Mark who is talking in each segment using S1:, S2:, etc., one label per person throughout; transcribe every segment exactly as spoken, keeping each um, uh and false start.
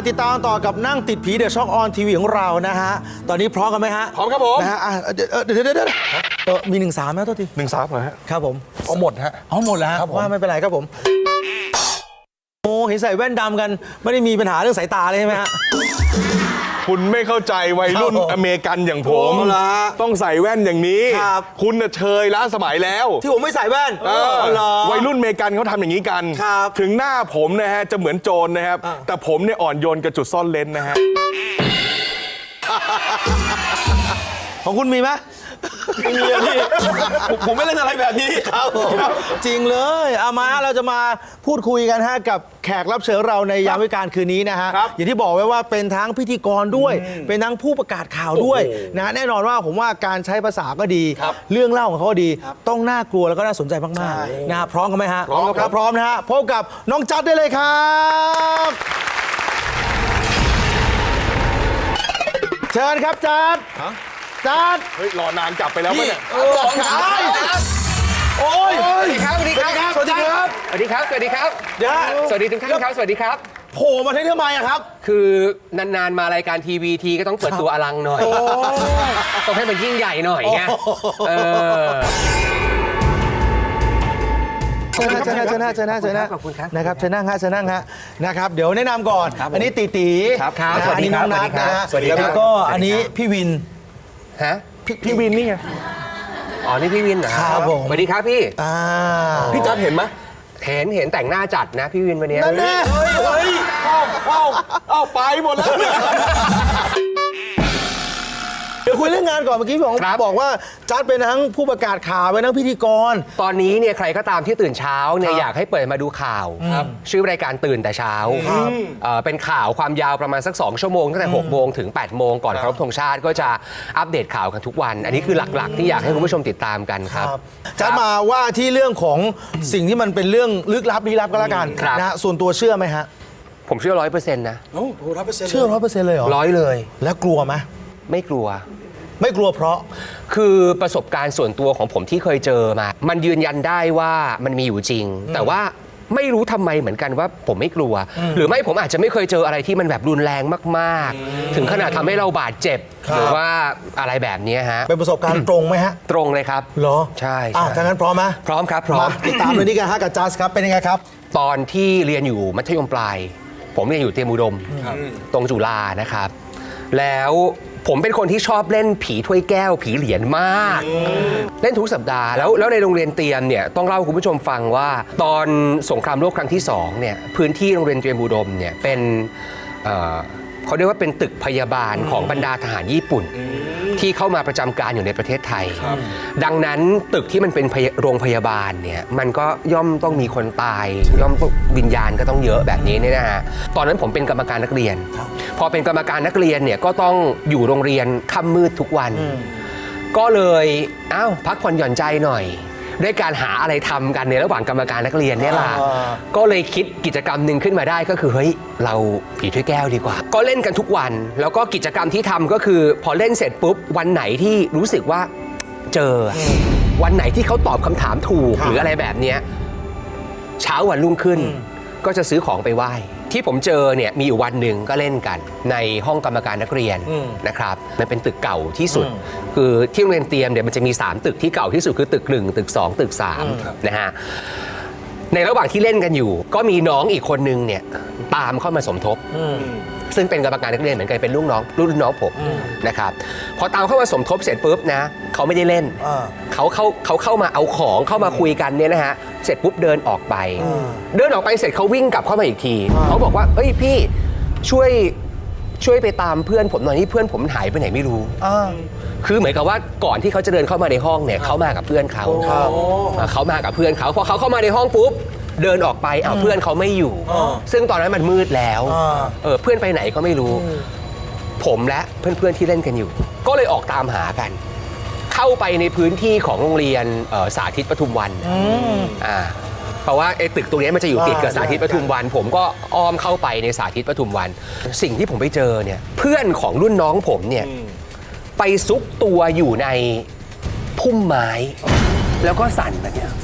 S1: ติดตามต่อกับนั่งติดผีเดอะช็อคออนทีวีของเรานะฮะตอนนี้พร้อมกันไหมฮะ
S2: พร้อมครับผม
S1: นะฮะเดี๋ยวเดี๋ยวเดี๋ยวเออมีหนึ่งสามไหมตัวที
S2: หนึ่งสามเหรอฮะ
S1: ครับผม
S2: เอาหมดฮะ
S1: เอาหมดแล้วว่าไม่เป็นไรครับผมโอ้เห็นใส่แว่นดำกันไม่ได้มีปัญหาเรื่องสายตาเลยใช่ไหมฮะ
S2: คุณไม่เข้าใจวัยรุ่นอเมริกันอย่างผมต้องใส่แว่นอย่างนี้คุณน่ะเชยล้าสมัยแล้ว
S1: ที่ผมไม่ใส่แว่น
S2: วัยรุ่นอเมริกันเขาทำอย่างนี้กันถึงหน้าผมนะฮะจะเหมือนโจรนะครับแต่ผมเนี่ยอ่อนโยนกับจุดซ่อนเลนนะฮะ
S1: ของคุณมีไหม
S2: ไม่มีอะพี่ผมไม่เล่นอะไรแบบนี้
S1: ครับจริงเลยเอามาเราจะมาพูดคุยกันฮะกับแขกรับเชิญเราในยามวิกาลคืนนี้นะฮะอย่างที่บอกไว้ว่าเป็นทั้งพิธีกรด้วยเป็นทั้งผู้ประกาศข่าวด้วยนะแน่นอนว่าผมว่าการใช้ภาษาก็ดีเรื่องเล่าของเขาดีต้องน่ากลัวแล้วก็น่าสนใจมากๆนะพร้อมกันไหมฮะ
S2: พร้อมครับ
S1: พร้อมนะฮะพบกับน้องจัดได้เลยครับเชิญครับจัดจัด
S2: เฮ้ยรอนานกลับไปแล้วมั้ยเนี่ย
S1: สองชายโอ้ย
S3: สวัสดีครับสวัสดีครับ
S1: สวัสดีครับ
S3: สวัสดีครับสวัสดีครับเดี๋ยวสวัสดีทุกท่านครับสวัสดีครับ
S1: โผล่มาที่ทำไมอะครับ
S3: คือนานๆมารายการทีวีทีก็ต้องเปิดตัวอลังหน่อยต้องให้มันยิ่งใหญ่หน่อยไงเออ
S1: เชิญนะเชิญนะเชิญนะเชิญนะเชิญนะนะครับเชิญนั่งฮะเชิญนั่งฮะนะครับเดี๋ยวแนะนำก่อนอันนี้ตีตีอันนี้น้องนัทนะฮะแล้วก็อันนี้พี่วิน
S3: ฮะ
S2: พี่วินนี่ไง
S3: อ๋อนี่พี่วินเหรอ
S1: ครับผม
S3: สวัสดีครับพี่
S2: พี่จัดเห็นไหม
S3: เห็นเห็นแต่งหน้าจัดนะพี่วินวันนี้
S1: นั่นแน่
S2: เฮ้ยเฮ้ยเอ้าเอ้าเอ้าไปหมดแล้ว
S1: เดี๋ยวคุยเรื่องงานก่อนเมื่อกี้ผมบอกว่าจัดเป็นทั้งผู้ประกาศข่าวเป็นทั้งพิธีกร
S3: ตอนนี้เนี่ยใครก็ตามที่ตื่นเช้าเนี่ยอยากให้เปิดมาดูข่าวชื่อรายการตื่นแต่เช้าเป็นข่าวความยาวประมาณสักสองชั่วโมงตั้งแต่หกโมงถึงแปดโมงก่อนเคารพธงชาติก็จะอัปเดตข่าวกันทุกวันอันนี้คือหลักๆที่อยากให้คุณผู้ชมติดตามกันครับ
S1: จัดมาว่าที่เรื่องของสิ่งที่มันเป็นเรื่องลึกลับลี้ลับก็แล้วกันนะส่วนตัวเชื่อไหมฮะ
S3: ผมเชื่อร้อยเปอร์เซ็นต์นะ
S1: โอ้ร้อยเปอร์เซ็นต์เชื่อร้อยเปอร์เซ็นต์เลยเหรอ
S3: ร้อยเลย
S1: แล้วกลัวไหม
S3: ไม่กลัว
S1: ไม่กลัวเพราะ
S3: คือประสบการณ์ส่วนตัวของผมที่เคยเจอมามันยืนยันได้ว่ามันมีอยู่จริงแต่ว่าไม่รู้ทำไมเหมือนกันว่าผมไม่กลัวหรือไม่ผมอาจจะไม่เคยเจออะไรที่มันแบบรุนแรงมากๆถึงขนาดทำให้เราบาดเจ็บหรือว่าอะไรแบบนี้ฮะ
S1: เป็นประสบการณ์ตรงไหมฮะ
S3: ตรงเลยครับ
S1: เหรอ
S3: ใช่
S1: อ่ะถ้างั้นพร้อมไหม
S3: พร้อมครับพร้อม
S1: ติดตามเลยนี่กันฮะกับจัสครับเป็นยังไงครับ
S3: ตอนที่เรียนอยู่มัธยมปลายผมเรียนอยู่เตรียมอุดมตรงจุฬานะครับแล้วผมเป็นคนที่ชอบเล่นผีถ้วยแก้วผีเหรียญมากเล่นทุกสัปดาห์แล้วแล้วในโรงเรียนเตรียมเนี่ยต้องเล่าคุณผู้ชมฟังว่าตอนสงครามโลกครั้งที่สองเนี่ยพื้นที่โรงเรียนเตรียมอุดมเนี่ยเป็นเขาเรียกว่าเป็นตึกพยาบาลของบรรดาทหารญี่ปุ่นที่เข้ามาประจำการอยู่ในประเทศไทยดังนั้นตึกที่มันเป็นโรงพยาบาลเนี่ยมันก็ย่อมต้องมีคนตายย่อมวิญญาณก็ต้องเยอะแบบนี้เนี่ยนะฮะตอนนั้นผมเป็นกรรมการนักเรียนพอเป็นกรรมการนักเรียนเนี่ยก็ต้องอยู่โรงเรียนค่ำมืดทุกวันก็เลยอ้าวพักผ่อนหย่อนใจหน่อยด้วยการหาอะไรทำกันในระหว่างกรรมการนักเรียนเนี่ยล่ะก็เลยคิดกิจกรรมหนึ่งขึ้นมาได้ก็คือเฮ้ยเราผีถ้วยแก้วดีกว่าก็เล่นกันทุกวันแล้วก็กิจกรรมที่ทำก็คือพอเล่นเสร็จปุ๊บวันไหนที่รู้สึกว่าเจอวันไหนที่เขาตอบคำถามถูกหรืออะไรแบบเนี้ยเช้าวันรุ่งขึ้นก็จะซื้อของไปไหว้ที่ผมเจอเนี่ยมีอยู่วันหนึ่งก็เล่นกันในห้องกรรมการนักเรียนนะครับมันเป็นตึกเก่าที่สุดคือที่โรงเรียนเตรียมเนี่ยมันจะมีสามตึกที่เก่าที่สุดคือตึกหนึ่งตึกสองตึกสามนะฮะในระหว่างที่เล่นกันอยู่ก็มีน้องอีกคนนึงเนี่ยตามเข้ามาสมทบซึ่งเป็นกรรมการนักเรียนเหมือนกันเป็นลูกน้องรุ่นน้องผมนะครับพอตามเข้ามาสมทบเสร็จปุ๊บนะเขาไม่ได้เล่นเขาเข้าเขาเข้ามาเอาของเข้ามาคุยกันเนี่ยนะฮะเสร็จปุ๊บเดินออกไปเดินออกไปเสร็จเขาวิ่งกลับเข้ามาอีกทีเขาบอกว่าเฮ้ยพี่ช่วยช่วยไปตามเพื่อนผมหน่อยที่เพื่อนผมหายไปไหนไม่รู้คือเหมือนกับว่าก่อนที่เขาจะเดินเข้ามาในห้องเนี่ยเขามากับเพื่อนเขาเขามากับเพื่อนเขาพอเขาเข้ามาในห้องปุ๊บเดินออกไปอ้าวเพื่อนเขาไม่อยู่ซึ่งตอนนั้นมันมืดแล้วเออเพื่อนไปไหนก็ไม่รู้ผมและเพื่อนๆที่เล่นกันอยู่ก็เลยออกตามหากันเข้าไปในพื้นที่ของโรงเรียนสาธิตปทุมวันอ่าเพราะว่าไอ้ตึกตรงนี้มันจะอยู่ติดกับสาธิตปทุมวันผมก็อ้อมเข้าไปในสาธิตปทุมวันสิ่งที่ผมไปเจอเนี่ยเพื่อนของรุ่นน้องผมเนี่ยไปซุกตัวอยู่ในพุ่มไม้แล้วก็สั่นแบบเนี้ย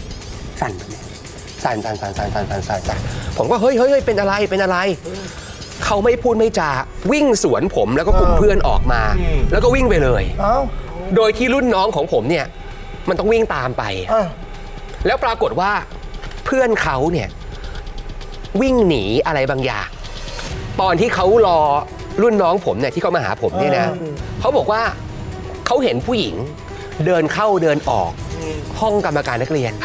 S3: สั่นแบบนี้สั่นสั่นสั่นสั่นสั่นสั่นสั่นผมก็เฮ้ยเฮ้ยเป็นอะไรเป็นอะไรเขาไม่พูดไม่จาวิ่งสวนผมแล้วก็กลุ่มเพื่อนออกมา แล้วก็วิ่งไปเลย
S1: เอ้า
S3: โดยที่รุ่นน้องของผมเนี่ยมันต้องวิ่งตามไป
S1: อ่ะ
S3: แล้วปรากฏว่าเพื่อนเขาเนี่ยวิ่งหนีอะไรบางอย่าง ตอนที่เขารอรุ่นน้องผมเนี่ยที่เขามาหาผมเนี่ยนะเขาบอกว่าเขาเห็นผู้หญิงเดินเข้าเดินออกห้องกรรมการนักเรียน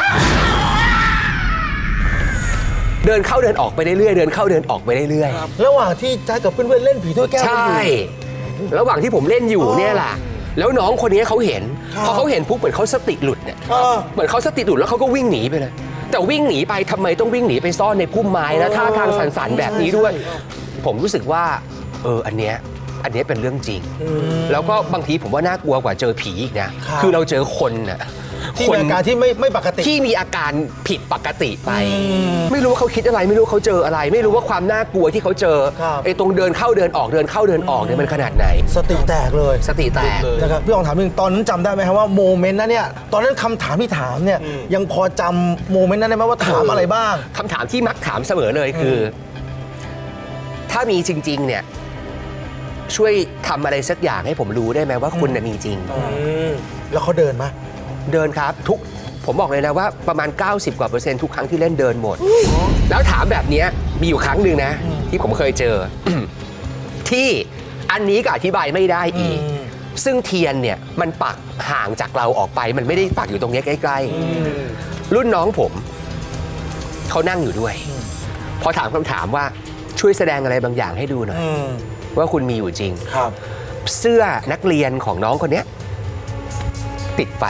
S3: เดินเข้าเดินออกไปเรื่อยๆเดินเข้าเดินออกไปเรื่อยๆ
S1: ระหว่างที่แจ๊คกับเพื่อนๆเล่นผีถ้วยแก้ว
S3: ใช
S1: กันอยู่
S3: ่ ระหว่างที่ผมเล่นอยู่เนี่ยแหละ แล้วน้องคนนี้เขาเห็น พอเขาเห็นปุ๊บเหมือนเขาสติหลุดเนี่ย
S1: เออ
S3: เหมือนเขาสติหลุดแล้วเขาก็วิ่งหนีไปเลย แต่วิ่งหนีไปทำไมต้องวิ่งหนีไปซ่อนในพุ่มไม้แล้วท่าทางสันๆแบบนี้ด้วย ผมรู้สึกว่า เออ อันเนี้ย อันเนี้ยเป็นเรื่องจริง แล้วก็บางทีผมว่าน่ากลัวกว่าเจอผีอีกนะ
S1: ครับ
S3: คือเราเจอคนน่ะ
S1: ที่มีอาการที่ไม่ไม่ปกติ
S3: ที่มีอาการผิดปกติไป ไม่รู้ว่าเขาคิดอะไรไม่รู้เขาเจออะไร ไม่รู้ว่าความน่ากลัวที่เขาเจอ
S1: ครับ
S3: ไอ้ตรงเดินเข้าเดินออกเดินเข้าเดินออกเนี่ยมันขนาดไหน
S1: สติแตกเลย
S3: สติแตก
S1: นะครับพี่ลองถามนึงตอนนั้นจำได้ไหมครับว่าโมเมนต์นั้นเนี่ยตอนนั้นคำถามที่ถามเนี่ยยังพอจำโมเมนต์นั้นได้ไหมว่าถามอะไรบ้าง
S3: คำถามที่มักถามเสมอเลยคือ ถ้ามีจริง ๆ เนี่ย ช่วยทำอะไรสักอย่างให้ผมรู้ได้ไหมว่าคุณน่ะมีจริง
S1: แล้วเขาเดินไหม
S3: เดินครับทุกผมบอกเลยนะว่าประมาณ เก้าสิบ กว่าเปอร์เซ็นต์ทุกครั้งที่เล่นเดินหมด แล้วถามแบบเนี้ยมีอยู่ครั้งหนึ่งนะ ที่ผมเคยเจอ ที่อันนี้ก็อธิบายไม่ได้อีก ซึ่งเทียนเนี่ยมันปักห่างจากเราออกไป มันไม่ได้ปักอยู่ตรงเนี้ยใกล้ๆรุ่นน้องผมเขานั่งอยู่ด้วย พอถามคำถามว่าช่วยแสดงอะไรบางอย่างให้ดูหน่อย ว่าคุณมีอยู่จริง
S1: ครับ
S3: เสื้อนักเรียนของน้องคนเนี้ยติดไฟ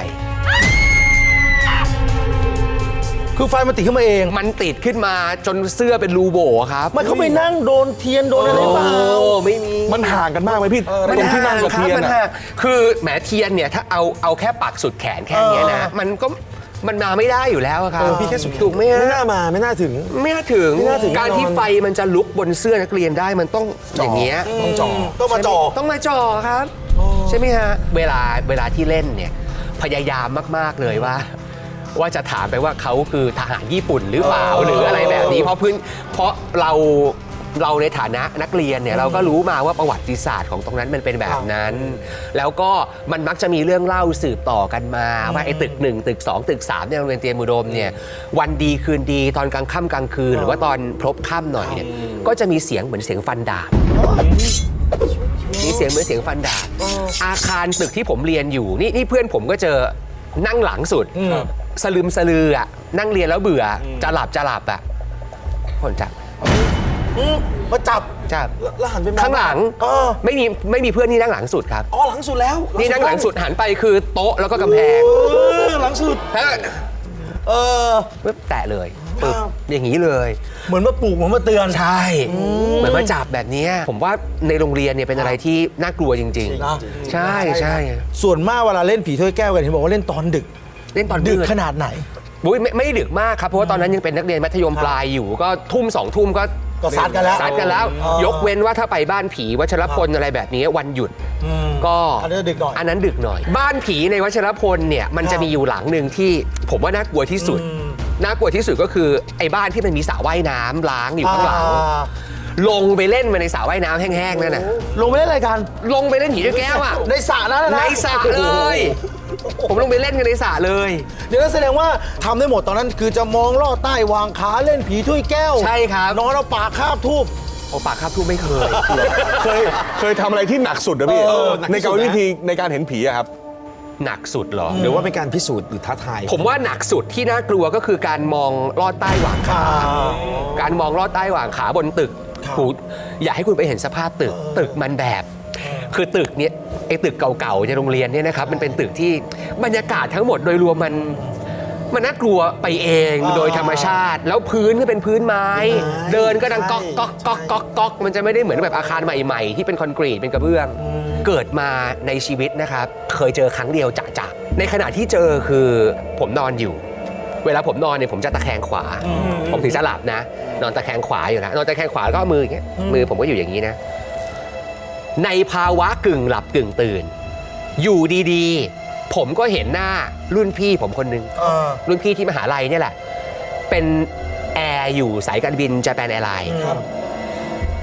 S1: คือไฟมันติดขึ้นมาเอง
S3: มันติดขึ้นมาจนเสื้อเป็นรูโบครับ
S1: ไม่เขาไปนั่งโดนเทียนโดนอะไรเปล่า
S3: โอ้ไม่มี
S2: มันห่างกันมากไหมพี่ตรงที่นั่งกับเทียน
S3: มัน
S2: อะ
S3: ห่างคือแหมเทียนเนี่ยถ้าเอาเอาแค่ปักสุดแขนแค่เนี้ยนะ มันก็มันมาไม่ได้อยู่แล้วอะครับ
S1: เออพี่แค่สุด
S3: ถูกไหมฮะ
S1: ไม่น่ามาไม่น่าถึง
S3: ไม่น่าถึง
S1: ไม่น่าถึง
S3: การที่
S1: แน่นอน
S3: ไฟมันจะลุกบนเสื้อนักเรียนได้มันต้องอย่างเงี้ย
S1: ต้องจ่อต้องมาจ่อ
S3: ต้องมาจ่อครับ ใช่ไหมฮะเวลาเวลาที่เล่นเนี่ยพยายามมาก ๆ เลยว่า ว่าจะถามไปว่าเขาคือทหารญี่ปุ่นหรือเปล่าหรืออะไรแบบนี้ เพราะพื้นเพราะเราเราในฐานะนักเรียนเนี่ยเราก็รู้มาว่าประวัติศาสตร์ของตรงนั้นมันเป็นแบบนั้น แล้วก็มันมักจะมีเรื่องเล่าสืบต่อกันมาว่าไอ้ตึกหนึ่งตึกสองตึกสามในโรงเรียนเตรียมอุดมเนี่ยวันดีคืนดีตอนกลางค่ำกลางคืน หรือว่าตอนพลบค่ำหน่อยเนี่ยก็จะมีเสียงเหมือนเสียงฟันดาบ มีเสียงเหมือนเสียงฟันดาบอาคารตึกที่ผมเรียนอยู่นี่นี่เพื่อนผมก็เจอนั่งหลังสุดสลืมสลืออ่ะนั่งเรียนแล้วเบื่อจะหลับจะหลับอ่ะคนจับ
S1: มาจับ
S3: จับ
S1: แล้วหันไปมอง
S3: ข้างหลัง
S1: เออ
S3: ไม่มีไม่มีเพื่อนที่นั่งหลังสุดครับ
S1: อ๋อหลังสุดแล้ว
S3: นี่นั่งหลังสุดหันไปคือโต๊ะแล้วก็กำแพง
S1: เออหลังสุด
S3: แล้ว
S1: เออ
S3: ปึ๊บแตะเลยปึ๊บ
S1: ครับ
S3: อย่างนี้เลย
S1: เหมือนมาปลูกเหมือนมาเตือน
S3: ใช่เหมือนมาจับแบบเนี้ยผมว่าในโรงเรียนเนี่ยเป็นอะไรที่น่ากลัวจริง
S1: นะ
S3: ๆ ใช่ใช่
S1: ส่วนมากเวลาเล่นผีถ้วยแก้วกันเห็นบอกว่าเล่นตอนดึก
S3: เล่นตอน
S1: ดึก
S3: มืด
S1: ขนาดไหน
S3: บุ้ยไม่ไม่ดึกมากครับ เพราะว่าตอนนั้นยังเป็นนักเรียนมัธยมปลายอยู่ ก็ทุ่มสองทุ่มก็
S1: ก็ซัดกันแล้ว
S3: ซัดกันแล้ว
S1: อ๋อย
S3: กเว้นว่าถ้าไปบ้านผีวัชรพลอะไรแบบนี้วันหยุด
S1: อืม
S3: ก็
S1: อันนั้นดึกหน่อย
S3: อันนั้นดึกหน่อย บ้านผีในวัชรพลเนี่ยมันจะมีอยู่หลังหนึ่งที่ผมว่าน่ากลัวที่สุด น่ากลัวที่สุดก็คือไอ้บ้านที่มันมีสระว่ายน้ำล้างอยู่ข้างหลัง
S1: อ่า
S3: ลงไปเล่นมาในสระว่ายน้ำแห้งๆนั่นน่ะ
S1: ลงไปเล่นอะไรกัน
S3: ลงไปเล่นผีด้วยแก้วอ่ะ
S1: ในสระนั้นนะ
S3: ในสระเลย ผมลงไปเล่นกันในสระเลย
S1: เดี๋ยวนั้นแสดงว่าทำได้หมดตอนนั้นคือจะมองลอดใต้วางขาเล่นผีถ้วยแก้ว
S3: ใช่ครับ
S1: นอนเอาปากคาบทูบ
S3: โอปากครับทูไม่เคย
S2: เคยเคยทำอะไรที่หนักสุดนะพี่
S1: เออหนักที่
S2: ใน
S1: สุ
S2: การ
S1: ดนะ
S2: วิธีในการเห็นผีอะครับ
S3: หนักสุดเหรอ
S4: หรือว่าเป็นการพิสูจน์หรือท้าทาย
S3: ผมว่าหนักสุดที่น่ากลัวก็คือการมองลอดใต้หว่างขา การมองลอดใต้หว่างขาบนตึก
S1: ครับ
S3: หูอยากให้คุณไปเห็นสภาพตึก ตึกมันแบบ คือตึกเนี้ยไอ้ตึกเก่าๆในโรงเรียนเนี่ยนะครับ มันเป็นตึกที่บรรยากาศทั้งหมดโดยรวมมันมันน่ากลัวไปเองโดยธรรมชาติ แล้วพื้นก็เป็นพื้นไม้ เดินก็ดังก๊อกก๊อกก๊อกก๊อกก๊อกมันจะไม่ได้เหมือนแบบอาคารใหม่ๆ ที่เป็นคอนกรีตเป็นกระเบื้อง เกิดมาในชีวิตนะครับ เคยเจอครั้งเดียวจะจะในขณะที่เจอคือผมนอนอยู่ เวลาผมนอนเนี่ยผมจะตะแคงขวา ผมถึงจะหลับนะ นอนตะแคงขวาอยู่นะนอนตะแคงขวาแล้วก็เอามืออย่างเงี้ยมือผมก็อยู่อย่างนี้นะ ในภาวะกึ่งหลับกึ่งตื่น อยู่ดีๆ ผมก็เห็นหน้ารุ่นพี่ผมคนหนึง
S1: เออ
S3: รุ่นพี่ที่มหาลัยเนี่ยแหละ เป็นแอร์อยู่สายการบิน Japan Airlines
S1: ครับ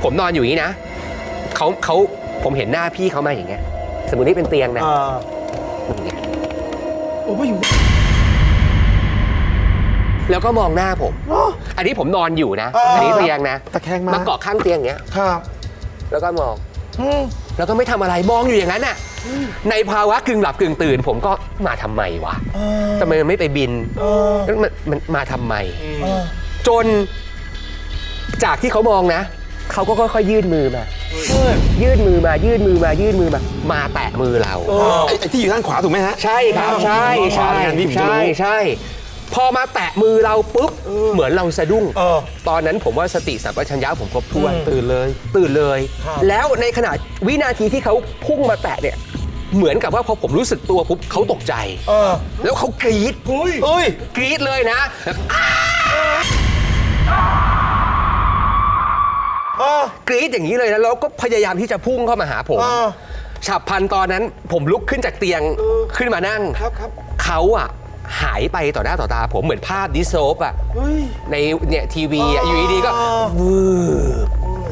S3: ผมนอนอยู่อย่างนี้นะเขาเขาผมเห็นหน้าพี่เขามาอย่างเงี้ยสมมตินี่เป็นเตียงนะอย่างเงี้ย
S1: โอ้ไม่อยู่
S3: แล้วก็มองหน้าผม อันนี้ผมนอนอยู่นะ
S1: เอออั
S3: อันนี้เตียงนะ
S4: ตะแคงมา
S3: มาเกาะข้างเตียงอย่างเงี้ย
S1: ครับ
S3: แล้วก็มอง
S1: อืม
S3: แล้วก็ไม่ทำอะไรมองอยู่อย่างนั้นน่ะในภาวะกึ่งหลับกึ่งตื่น ผมก็มาทำไมวะทำไมมันไม่ไปบินแล้วมันมันมาทำไม จนจากที่เขามองนะเขาก็ค่อยๆยื่นมือมายื่นมือมายื่นมือมายื่นมือมา มาแตะมือเรา
S4: ไอ้ไอ้ที่อยู่ด้านขวาถูกไหมฮะ
S3: ใช่ครับใช่ใช่
S4: ขวาเนี่ยพี่ผมจะรู้
S3: ใช่ใช่พอมาแตะมือเราปุ๊บเหมือนเราสะดุ้ง
S1: เออ
S3: ตอนนั้นผมว่าสติสัมปชัญญะผมครบถ้วน
S4: ตื่นเลย
S3: ตื่นเลย
S1: ครับ
S3: แล้วในขณะวินาทีที่เขาพุ่งมาแตะเนี่ย เหมือนกับว่าพอผมรู้สึกตัวปุ๊บเขาตกใจ
S1: เออ
S3: แล้วเขากรี๊ด
S1: เฮ้ย
S3: กรี๊ดเลยนะแบบอ้า
S1: เออก
S3: รี๊ดอย่างนี้เลยนะแล้วก็พยายามที่จะพุ่งเข้ามาหาผม
S1: เออ
S3: ฉับพลันตอนนั้นผมลุกขึ้นจากเตียงขึ้นมานั่ง
S4: ครับครับ
S3: เขาอะหายไปต่อหน้าต่อตาผมเหมือนภาพดิสโซปอะในเนี่ยทีวีอะอยู่ดีๆก็วืบ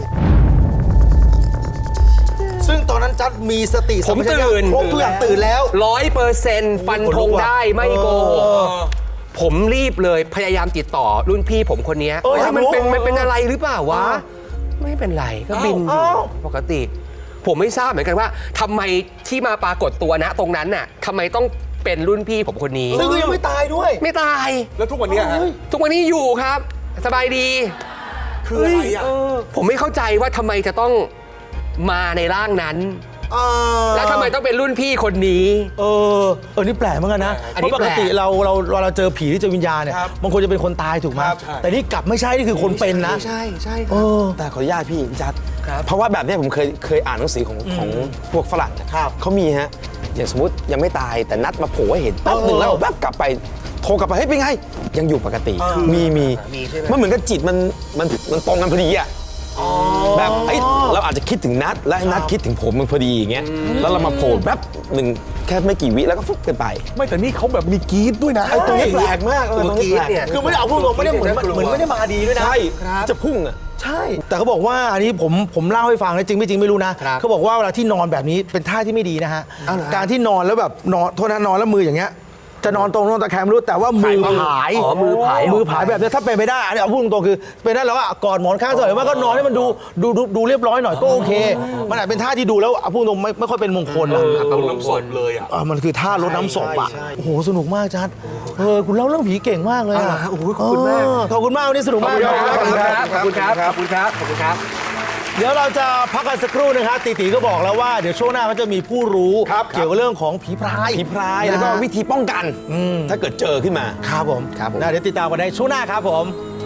S1: ซึ่งตอนนั้นจัดมีสติ
S3: ผม
S1: สัชัญญะ
S3: ตื่น
S1: ครบทุกอย่างตื่นแล้ว
S3: ร้อยเปอร์เซ็นต์ฟันธงได้ไม่โกหก
S1: เออ
S3: ผมรีบเลยพยายามติดต่อรุ่นพี่ผมคนเนี้ย
S1: เอออยาก
S3: ว่ามันเป็น
S1: รู้
S3: มันเป็นอะไรหรือเปล่าวะ ไม่เป็นไรก็บินอยู่
S1: อ้าว
S3: ปกติ ผมไม่ทราบเหมือนกันว่าทำไมที่มาปรากฏตัวนะตรงนั้นน่ะทำไมต้องเป็นรุ่นพี่ผมคนนี้
S1: ซึ่งก็ยังไม่ตายด้วย
S3: ไม่ตาย
S2: แล้วทุกวันเนี้ยฮะ
S3: ทุกวันนี้อยู่ครับ สบายดี
S2: คืออะไรอ่ะ
S3: ผมไม่เข้าใจว่าทำไมจะต้องมาในร่างนั้น
S1: เออ
S3: แล้วทำไมต้องเป็นรุ่นพี่คนนี้
S1: เออ เออ นี่แปลกเหมือนกันนะ
S3: อัน
S1: เพ
S3: นี้
S1: ราะปกติ
S3: แปลก
S1: เราเราเวลาเราเจอผีที่เจอวิญญาณเนี่ย
S2: ครับ
S1: บางคนจะเป็นคนตายถูกไหม
S2: ครับใช่
S1: แต่นี่กลับไม่ใช่ นี่คือคนเป็นนะ
S4: ใช่ใช่ค
S1: เอ
S4: รับ
S1: อ
S4: แต่ขออนุญาตพี่พี่จัด
S3: ครับ
S4: เพราะว่าแบบเนี้ยผมเคยเคยอ่านหนังสือของของพวกฝรั่งอะ
S1: ครับ
S4: เขามีฮะ อย่างสมมติยังไม่ตายแต่นัดมาโผล่ให้เห็นแป๊บหนึ่งแล้วแป๊บกลับไปโทรกลับไปเฮ้ยเป็นไง ยังอยู่ปกติ มีมี
S3: มีใช่ไหม
S4: มันเหมือนกับจิตมันมันมันตรงกันพอดีอะแบบเอ้ยเราอาจจะคิดถึงนัดและนัดคิดถึงผมมันพอดีอย่างเงี้ยแล้วเรามาโผล่แป๊บหนึ่งแค่ไม่กี่วิแล้วก็ฟุบกันไป
S2: ไม่แต่นี่เขาแบบมีกรี๊ดด้วยนะ
S4: ไอ้ตรงนี้แปลกมากเออตรงนี้แปลก
S3: เนี่ย
S1: คือไม่ได้เอาพูดตรงไม่ได้เหมือนเหมือนไม่ได้มาดีด้วยนะ
S4: ใช่จะพุ่งอะ
S1: ใช่ แต่เขาบอกว่าอันนี้ผมผมเล่าให้ฟังนะจริงไม่จริงไม่รู้นะครับ เขาบอกว่าเวลาที่นอนแบบนี้เป็นท่าที่ไม่ดีนะฮะ การที่นอนแล้วแบบนอนโทษนะนอนแล้วมืออย่างเงี้ย จะนอนตรงนอนตะแคงไม่รู้แต่ว่ามือผาย
S3: อ๋อมือผาย
S1: มือผายแบบนี้ถ้าเป็นไปได้อันนี้เอาพูดตรงๆคือเป็นได้แล้วว่ากอดหมอนข้างสอยว่าก็นอนให้มันดูดูดูดูเรียบร้อยหน่อยก็โอเค มันอาจเป็นท่าที่ดูแล้วเอาพูดตรงไม่ไม่ค่อยเป็นมงคลนะ
S2: เอาน้ำศพเลยอ่ะ
S1: อ่ะมันคือท่ารดน้ำศพอ่ะโอ้โหสนุกมากจัดเออคุณเล่าเรื่องผีเก่งมากเลยอ่ะโอ้โหขอบคุณมากขอบคุณมากวันนี้สนุกมากครับ
S3: ขอบคุณครับ ขอบคุณครับ ขอบคุณครับ ขอบคุณครับ
S1: เดี๋ยวเราจะพักกันสักครู่นะครับตีตีก็บอกแล้วว่าเดี๋ยวช่วงหน้าเขาจะมีผู้รู้เกี่ยวกับเรื่องของผีพราย
S4: ผีพรายแล้วก็วิธีป้องกันถ้าเกิดเจอขึ้นมา
S1: ครับผม
S4: ครับผม
S1: นะเดี๋ยวติดตามกันได้ช่วงหน้าครับผม